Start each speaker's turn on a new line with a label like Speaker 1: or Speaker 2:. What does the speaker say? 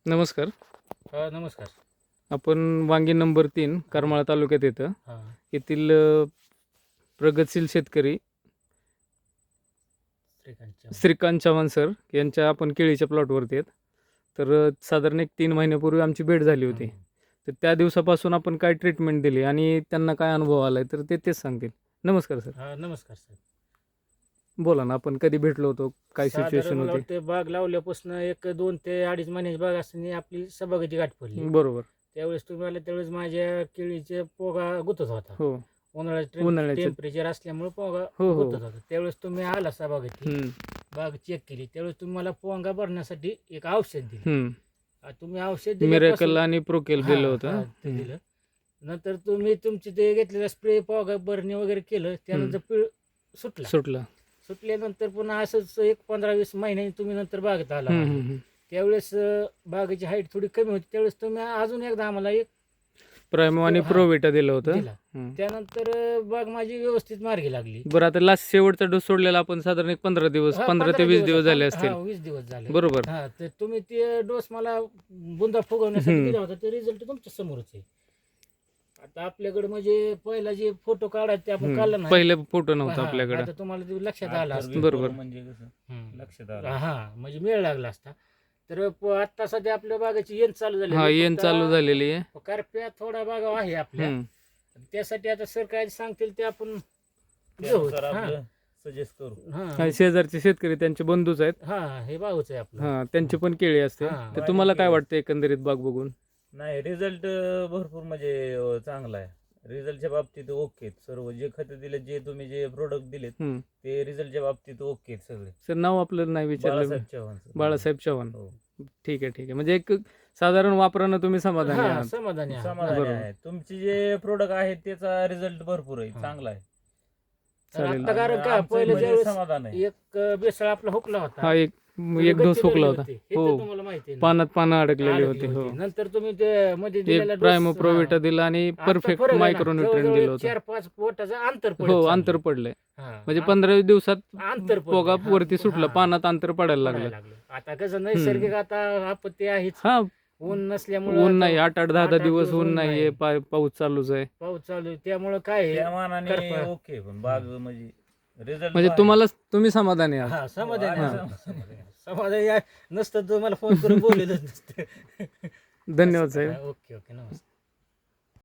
Speaker 1: नमस्कार.
Speaker 2: नमस्कार.
Speaker 1: आपण वांगी नंबर 3 करमाळा तालुक्यात येतं.
Speaker 2: हां.
Speaker 1: येथील प्रगतशील शेतकरी
Speaker 2: श्रीकांतच्या
Speaker 1: श्रीकांत चव्हाण सर यांच्या आपण केळीच्या प्लॉटवरती आहेत. तर साधारण एक 3 महिन्यापूर्वी आमची भेट झाली होती. तर त्या दिवसापासून आपण काय ट्रीटमेंट दिली आणि त्यांना काय अनुभव आला आहे तर ते तेच सांगतील. नमस्कार सर.
Speaker 2: नमस्कार साहेब.
Speaker 1: बोला ना, आपण कधी भेटलो होतो, काय
Speaker 2: साधारण
Speaker 1: सिच्युएशन
Speaker 2: मला
Speaker 1: होती?
Speaker 2: वाटतं बाग लावल्यापासून 2 ते 2.5 महिन्याची बाग असताना आपली सभागाची गाठ पडली.
Speaker 1: बरोबर.
Speaker 2: त्यावेळेस तुम्ही आले त्यावेळेस माझ्या केळीचे पोगा गुतत होता.
Speaker 1: हो.
Speaker 2: उन्हाळ्यात टेम्परेचर असल्यामुळे पोगा
Speaker 1: हो.
Speaker 2: गुतत होता. त्यावेळेस तुम्ही आला सभागाची बाग चेक केली. त्यावेळेस तुम्ही मला पोंगा भरण्यासाठी एक औषध दिलं. तुम्ही औषध
Speaker 1: मिरेकल आणि प्रोकेल दिलं होतं.
Speaker 2: ते दिलं. नंतर तुम्ही तुमची ते घेतलेलं स्प्रे पोगा भरणी वगैरे केलं. त्यानंतर पीळ सुटला. सुटल्यानंतर पुन्हा असंच एक 15-20 महिन्यांनी तुम्ही नंतर बागेत आला. त्यावेळेस बागेची हाईट थोडी कमी होती. त्यावेळेस तुम्ही अजून एकदा आम्हाला एक
Speaker 1: प्रायमो आणि प्रोविटा दिलं होतं.
Speaker 2: दिला. त्यानंतर बाग माझी व्यवस्थित मार्गी लागली.
Speaker 1: बरं, आता लास्ट शेवटचा डोस सोडलेला आपण साधारण एक 15 दिवस 15 ते 20 दिवस झाले असतील.
Speaker 2: 20 दिवस झाले.
Speaker 1: बरोबर.
Speaker 2: तर तुम्ही ते डोस मला बुंदा फुगवण्यासाठी दिला होता. ते रिझल्ट तुमच्या समोरच आहे. आता आपल्याकडे म्हणजे पहिला जे फोटो काढायचे आपण काढला नाही.
Speaker 1: पहिले फोटो नव्हता आपल्याकडे.
Speaker 2: आता तुम्हाला ते लक्षात आला असतं.
Speaker 1: बरोबर.
Speaker 3: म्हणजे कसं लक्षात आलं.
Speaker 2: म्हणजे मेळ लागला असता. तर आता सध्या आपल्या बागाची येण चालू झाली.
Speaker 1: येण चालू झालेली आहे.
Speaker 2: करप्या थोडा बागा आहे आपल्या. त्यासाठी आता सर काय सांगतील ते आपण घेऊ.
Speaker 3: सजेस्ट करू.
Speaker 1: शेजारचे शेतकरी त्यांचे बंधूच आहेत.
Speaker 2: हे भाऊच आहे आपलं.
Speaker 1: त्यांची पण केळी असते. तर तुम्हाला काय वाटतं एकंदरीत बाग बघून?
Speaker 3: नाही, रिझल्ट भरपूर म्हणजे चांगला आहे. रिझल्टच्या बाबतीत ओके सर्व. जे खतं दिले, जे तुम्ही जे प्रोडक्ट दिलेत ते रिझल्टच्या बाबतीत ओके सगळे.
Speaker 1: सर, नाव आपलं नाही विचारलं.
Speaker 3: बाळासाहेब चव्हाण.
Speaker 1: बाळासाहेब चव्हाण.
Speaker 3: हो.
Speaker 1: ठीक आहे. म्हणजे एक साधारण वापरानं तुम्ही समाधानी आहात?
Speaker 2: समाधानी
Speaker 3: आहे. तुमचे जे प्रोडक्ट आहेत त्याचा रिझल्ट भरपूर आहे, चांगला आहे.
Speaker 1: चालेल.
Speaker 2: कारण का
Speaker 3: आमचं
Speaker 2: पहिलं
Speaker 3: म्हणजे
Speaker 2: ज्यावेळेस
Speaker 3: समाधान आहे.
Speaker 2: एक बेसळ आपला हुकला होता.
Speaker 1: एक डोस हुकला होता. हो.
Speaker 2: तुम्हाला माहिती आहे ना.
Speaker 1: पानं अडकलेली होती. हो.
Speaker 2: नंतर तुम्ही ते मध्ये दिलेला
Speaker 1: एक प्रायमो प्रोविटा दिला आणि परफेक्ट मायक्रोन्यूट्रिएंट दिलं होतं.
Speaker 2: 4-5 पोटाचं अंतर
Speaker 1: हो, अंतर पडलंय. म्हणजे 15 दिवसात
Speaker 2: अंतर
Speaker 1: पोगा वरती सुटलं, पानात अंतर पडायला लागलं.
Speaker 2: आता कसं नैसर्गिक आता आपत्ती आहेच. ऊन नसल्यामुळे
Speaker 1: ऊन नाही, 8-10 दिवस ऊन नाहीये, पाऊस चालूच आहे.
Speaker 2: पाऊस चालू आहे. त्यामुळे काय
Speaker 3: त्या मानाने ओके. पण बाग म्हणजे रिझल्ट
Speaker 1: म्हणजे तुम्ही समाधानी आहात?
Speaker 2: समाधान नसतं तुम्हाला फोन करून बोललेलंच नसतं.
Speaker 1: धन्यवाद साहेब.
Speaker 2: ओके नमस्कार.